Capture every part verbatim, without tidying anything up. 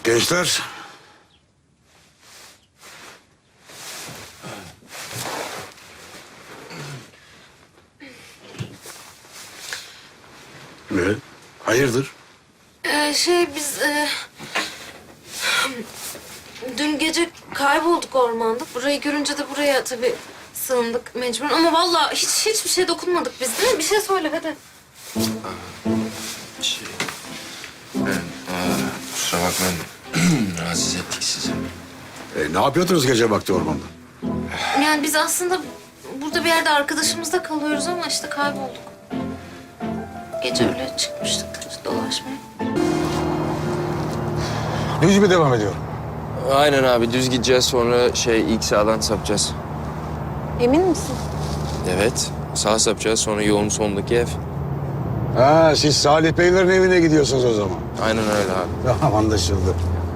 Gençler. Ne? Hayırdır? Ee, şey biz e, dün gece kaybolduk ormanda. Burayı görünce de buraya tabii sığındık mecburen. Ama vallahi hiç hiçbir şey dokunmadık biz, değil mi? Bir şey söyle hadi. Şey, ben, aa, kusura bakmayın. Rahatsız ettik sizi. E, ne yapıyordunuz gece vakti ormanda? Yani biz aslında burada bir yerde arkadaşımızda kalıyoruz ama işte kaybolduk. Gece öyle çıkmıştık işte dolaşmaya. Düz mü devam ediyor? Aynen abi, düz gideceğiz, sonra şey ilk sağdan sapacağız. Emin misin? Evet, sağ sapacağız, sonra yolun sonundaki ev. Ha, siz Salih Beylerin evine gidiyorsunuz o zaman. Aynen öyle abi. Tamam, anlaşıldı.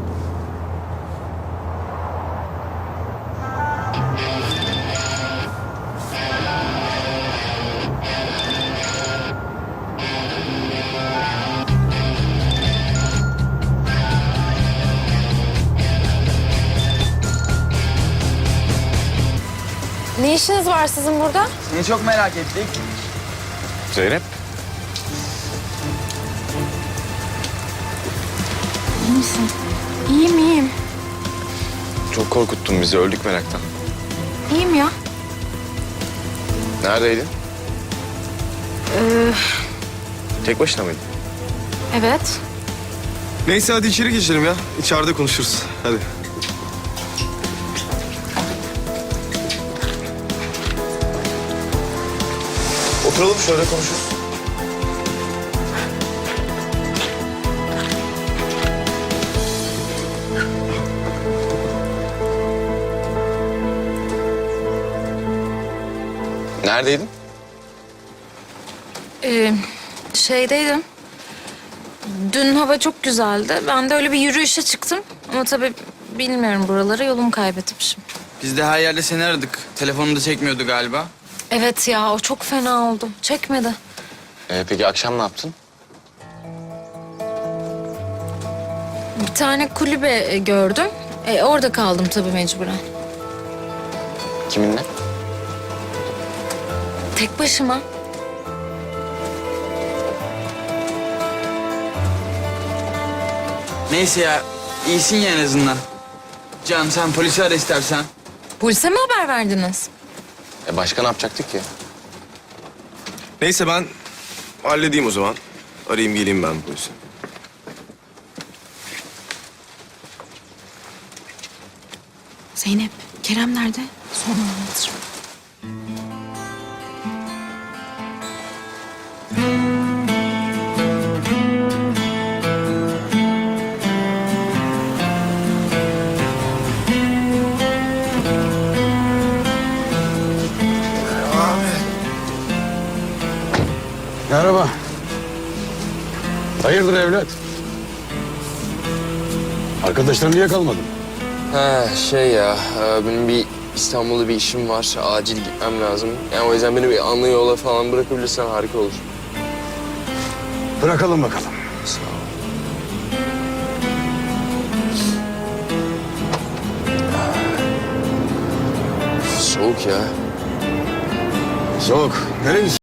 Ne işiniz var sizin burada? Seni çok merak ettik. Zeynep? İyi misin? İyiyim, iyiyim. Çok korkuttun bizi, öldük meraktan. İyiyim ya. Neredeydin? Ee, Tek başına mıydın? evet. Neyse hadi içeri geçelim ya. İçeride konuşuruz. Hadi. Oturalım şöyle konuşuruz. Neredeydin? Ee, şeydeydim. Dün hava çok güzeldi. Ben de öyle bir yürüyüşe çıktım. Ama tabii bilmiyorum buraları, yolumu kaybetmişim. Biz de her yerde seni aradık. Telefonu da çekmiyordu galiba. Evet ya, o çok fena oldu. Çekmedi. Ee, peki akşam ne yaptın? Bir tane kulübe e, gördüm. E, orada kaldım tabii mecburen. Kiminle? Tek başıma. Neyse ya, iyisin ya en azından. Can sen polisi ara istersen. Polise mi haber verdiniz? E başka ne yapacaktık ki? Neyse ben halledeyim o zaman. Arayayım geleyim ben polise. Zeynep, Kerem nerede? Sonra anlatırım. Merhaba. Hayırdır evlat? Arkadaşların niye kalmadın? Ha şey ya, e, benim bir İstanbul'da bir işim var. Acil gitmem lazım. Yani o yüzden beni bir anlı yola falan bırakabilirsen harika olur. Bırakalım bakalım. Sağ ol. Soğuk ya. Soğuk. Nereye